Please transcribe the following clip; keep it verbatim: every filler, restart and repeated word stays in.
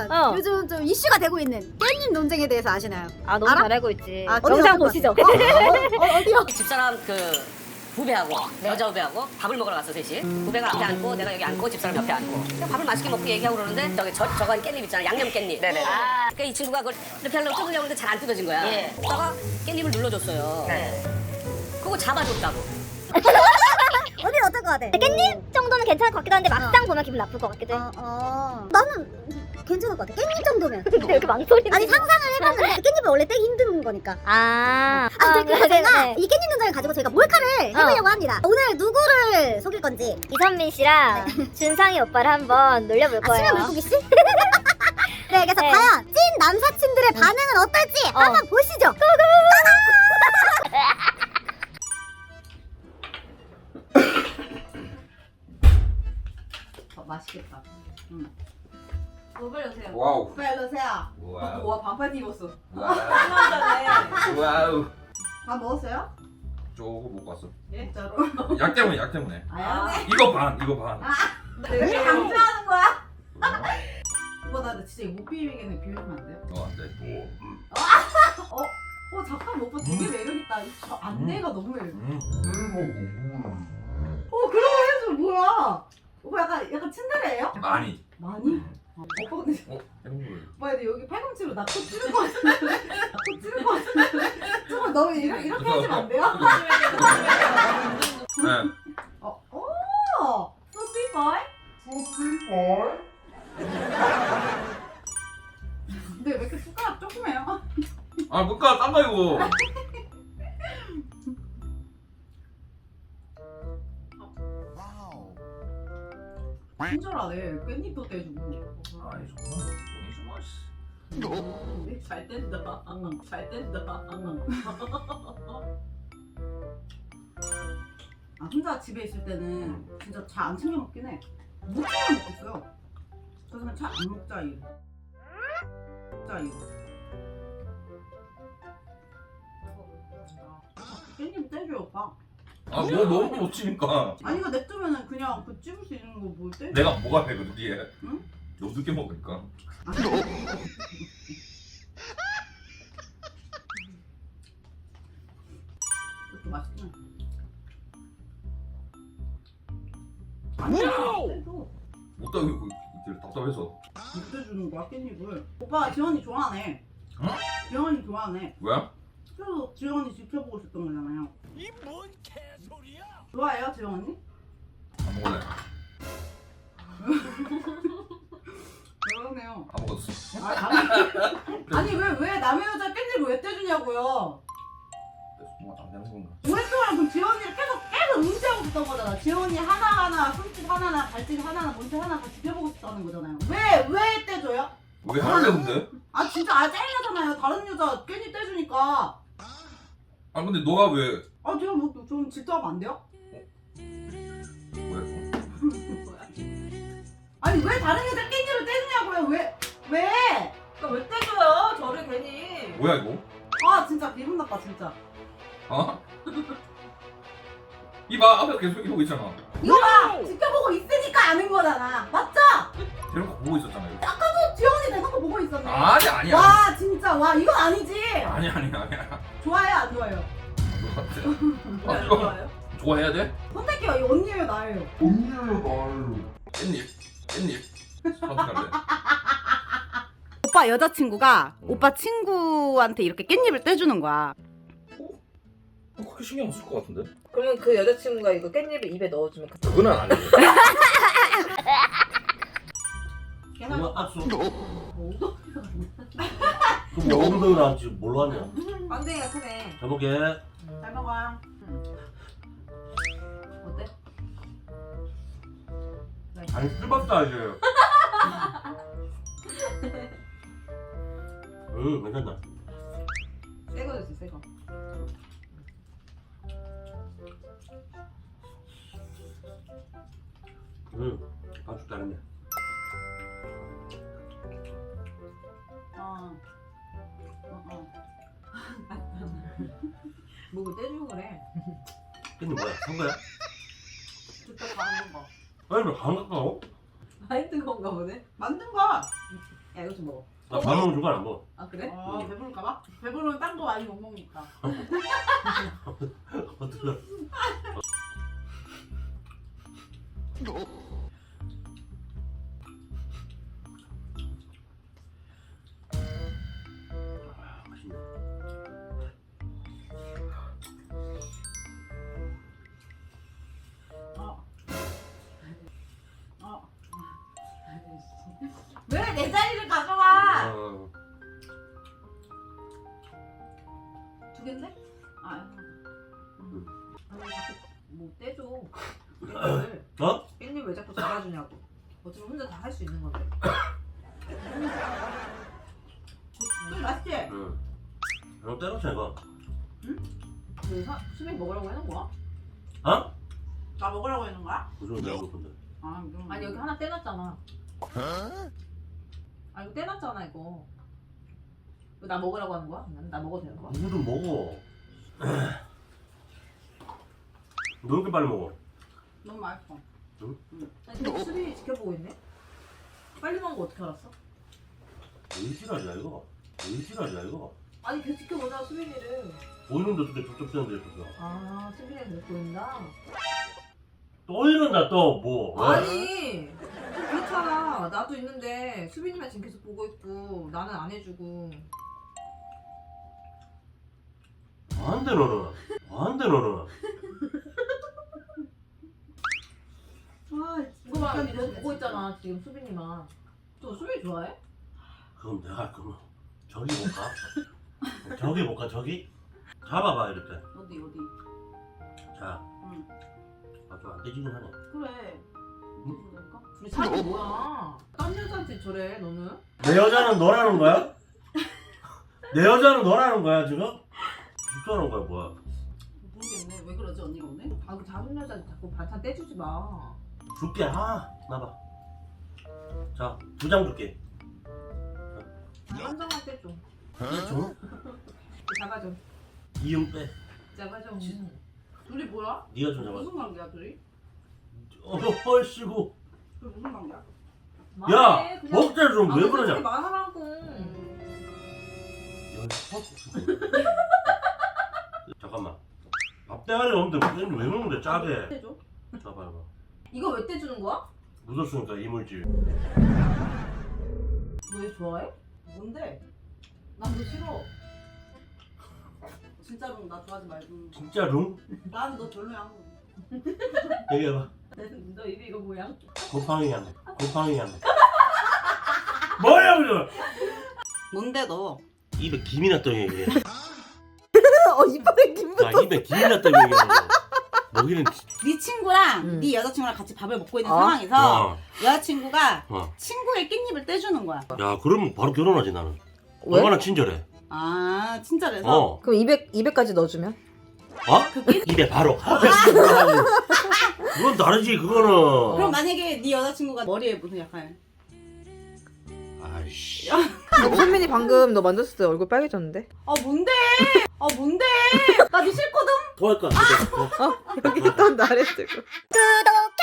어. 요즘 좀 이슈가 되고 있는 깻잎 논쟁에 대해서 아시나요? 아 너무 알아? 잘 알고 있지. 아, 어디 영상 어디 보시죠. 어, 어, 어, 어디요? 집사람 그 후배하고 여자 후배하고 밥을 먹으러 갔어 셋이. 후배가 앞에 앉고 내가 여기 앉고 집사람 옆에 앉고 그냥 밥을 맛있게 먹고 얘기하고 그러는데 저기 저 저거 깻잎 있잖아 양념 깻잎. 네네. 아, 그러니까 이 친구가 그걸 이렇게 하려고 뜯으려고 했는데 잘 안 뜯어진 거야. 예. 그러다가 깻잎을 눌러줬어요. 네. 그거 잡아줬다고. 언니 어떨 것 같아? 깻잎 정도는 괜찮을 것 같기도 한데 막상 보면 기분 나쁠 것 같기도 해. 어, 어. 나는 괜찮을 것 같아. 깻잎 정도면. 근데 왜 이렇게 망설이는 아니 상상을 해봤는데 깻잎을 원래 떼기 힘든 거니까. 아, 아, 아, 그래서 네, 제가 네. 이 깻잎 논쟁을 가지고 저희가 몰카를 해보려고 합니다. 오늘 누구를 속일 건지. 이선민 씨랑 준상이 오빠를 한번 놀려볼 아, 거예요. 수면 물고기 씨? 네, 그래서 네. 과연 찐 남사친들의 반응은 어떨지 어. 한번 보시죠. 어, 맛있겠다. 응. 어, 빨리 오세요. 와우. 빨리 오세요. 와우. 와, 반팔 입었어. 와우. 신난다네. 와우. 밥 먹었어요? 조금 못 봤어. 예, 진짜로. 약 때문에 약 때문에. 아, 네. 이거 반 이거 반. 왜 이렇게 강조하는 거야? 오빠, 나 진짜 이거 못 비비겠네. 비비면 안 돼요? 어 안돼. 어? 어, 잠깐만. 오빠 되게 매력있다. 이 저 안내가 너무 매력있다. 음. 어, 그런 거 해줘. 뭐야? 오빠 약간, 약간 츤데레예요? 많이. 많이? 어, 오빠 근데 어 이런 걸. 오빠 근데 여기 팔꿈치로 나코 찌는 거 같은데? 나코 찌는 거 같은데? 정말 너무 이렇게, 이렇게 하시면 안 돼요? 네. 어, 오! So sweet boy? 근데 왜 이렇게 숟가락 조그매요? 아 뭔가 딴 거 이거. 친절하네. 깻잎도 떼주고. 아이 정말 돈이 좀 맛있어. 음, 잘 뗀다. 응, 잘 뗀다. 응. 아, 혼자 집에 있을 때는 진짜 잘 안 챙겨 먹긴 해. 무침만 먹겠어요. 그래서 그냥 잘 안 먹자 이거. 먹자 이거. 깻잎 떼줘요 오빠. 아뭐 너무 못 치니까. 아니 이거 냅두면은 그냥 그 찝을 수 있는 거 뭘 떼? 내가 뭐가 돼 그 뒤에. 응? 너무 늦게 먹으니까. 아, 이것도 맛있긴 해. 아니야. 떼줘. 못 따고 이제 답답해서. 못 떼주는 거야 깻잎을. 오빠 지원이 좋아하네. 응? 지원이 좋아하네. 왜? 그래서 지원이 지켜보고 있었던 거잖아요. 이 뭔 개소리야? 좋아해요 지원이? 안 먹을래. 그러네요. 안 먹었어. 아, 아니, 아니 왜 왜 남의 여자 깻잎을 왜 떼주냐고요? 뭔가 안 되는 건가? 오랫동안 그럼 지원이를 계속 계속 응시하고 있었던 거잖아. 지원이 하나하나 손짓 하나나 발짓 하나나 뭔지 하나 다 지켜보고 싶다는 거잖아요. 왜 왜 떼줘요? 왜 하려는데? 아 진짜 아 짜증나잖아요. 다른 여자 깻잎 떼주니까. 아 근데 너가 왜? 아 제가 뭐좀 질투하면 안 돼요? 뭐야 이거? 아니 왜 다른 여자 깻잎을 떼주냐고요? 왜 왜? 그러니까 왜 떼줘요? 저를 괜히. 뭐야 이거? 아 진짜 기분 나빠 진짜. 어? 이봐 앞에 계속 이러고 있잖아. 이거 봐! 지켜보고 있으니까 아는 거잖아. 맞죠? 대놓고 보고 있었잖아 이거. 아까도 지원이 대놓고 보고 있었네. 아니 아니야. 와 진짜 와 이건 아니지. 아니 아니 아니야. 좋아해요 안 좋아해요? 너 같아. 왜 아 안 이거 좋아요? 좋아해야 돼? 선택해요. 이 언니예요 나예요? 깻잎 깻잎 선택할래. 오빠 여자친구가 오빠 친구한테 이렇게 깻잎을 떼주는 거야. 어, 그렇게 신경 안 쓸 것 같은데? 그러면 그 여자친구가 이거 깻잎을 입에 넣어주면 그- 그건 아니지. 걔는 악수. 뭐 그럼 어른들 나지 뭘로 하냐? 빵댕이가 크네. 잘 먹게. 잘 먹어요. 어때? 아니 쓸봤다 이제. 응, 괜찮다. 새거 줬어 새거. 응, 아주 잘했네. 어. 어 어. 뭐고 떼주고 그래. 깻잎 뭐야? 산 거야? 직접 가는 거. 아니, 왜 가는 거야? 많이 뜨거운가 보네. 만든 거. 야 이거 좀 먹어. 나 밥 먹는 중간 안 먹어. 아 그래? 아 배부를까봐? 배부르면 딴 거 많이 못 먹으니까. 어떡해. 아, 맛있네. 어. 어. 왜 내 자리를 가져가? 어. 두 개인데? 아. 아니 자꾸 뭐 떼줘. 깻잎을. 어? 깻잎 왜 자꾸 잡아주냐고. 어차피 혼자 다 할 수 있는 건데. 좀 맛있지? 응. 너 때렸어 이거. 그 사, 수빈 먹으라고 해놓은 거야? 어? 나 먹으라고 했는 거야? 무슨 내가 먹을 건데. 아, 이런 아니 여기 하나 떼놨잖아. 아 이거 떼놨잖아 이거. 이거 나 먹으라고 하는 거야? 나 먹어도 되는 거야? 누구든 먹어. 너 이렇게 빨리 먹어. 너무 맛있어. 아니 근데 수빈이 지켜보고 있네? 빨리 먹은 거 어떻게 알았어? 의지라냐 이거. 의지라냐 이거. 아니 계속 지켜보자 수빈이를. 보이는데 어떻게 족족 떼는데 있었어. 아 수빈이가 계속 보인다? 또 이런다 또 뭐. 왜? 아니 좀 그렇잖아. 나도 있는데 수빈이만 지금 계속 보고 있고 나는 안 해주고. 안돼 너는. 안돼 너는. 아, 이거 봐 너 보고 있잖아 지금 수빈이만. 너 수빈이 좋아해? 그럼 내가 할 거면 저기 볼까? 저기 볼까 저기? 잡아봐 이렇게. 어디 어디? 자. 응. 아좀 안 되지긴 하네. 그래. 응? 그럴까? 둘이 사이 뭐야? 딴 여자한테 저래 너는? 내 여자는 너라는 거야? 내 여자는 너라는 거야 지금? 진짜라는 거야 뭐야? 모르겠네. 왜 그러지 언니가 오늘? 아 그 작은 여자 자꾸 반찬 떼주지 마. 줄게. 아 나봐. 자 두 장 줄게. 한 장만 떼줘. 줘? 잡아줘. 이응 빼. 잡아줘. 둘이 뭐야? 네가 좀 잡아. 무슨 관계야 둘이? 어 헐씨고. 둘이 무슨 관계야? 야 말해, 그냥. 먹자 좀 왜 아, 그러냐? 솔직히 말하라고. 야, 잠깐만. 밥 대가리 없는데 무슨 왜 먹는데 짜게? 떼줘. 봐봐 봐. 이거 왜 떼주는 거야? 묻었으니까 이물질. 너 얘 좋아해? 뭔데? 난 너 싫어. 진짜로 나 좋아하지 말고. 진짜 룽? 난 너 별로야. 얘기해봐. 너 입이 이거 뭐야? 곰팡이 향. 곰팡이 향. 뭐야 그거? 뭔데 너? 입에 김이 났다고 얘기해. 어 이빨에 김 아 입에 김이 났다고 얘기해. 먹이는 네 친구랑 음. 네 여자친구랑 같이 밥을 먹고 있는 어? 상황에서 어. 여자친구가 어. 친구의 깻잎을 떼주는 거야. 야 그러면 바로 결혼하지 나는. 왜? 얼마나 친절해. 아 친절해서? 어. 그럼 이백 이백까지 넣어주면? 어? 입에 바로. 그건 다르지 그거는. 그럼 만약에 네 여자친구가 머리에 무슨 약간 아이씨. 선민이 방금 너 만졌을 때 얼굴 빨개졌는데? 아 뭔데? 아 뭔데? 나 네 싫거든? 토할 것 같은데. 어? 여기 또 나랬을 거. 구독해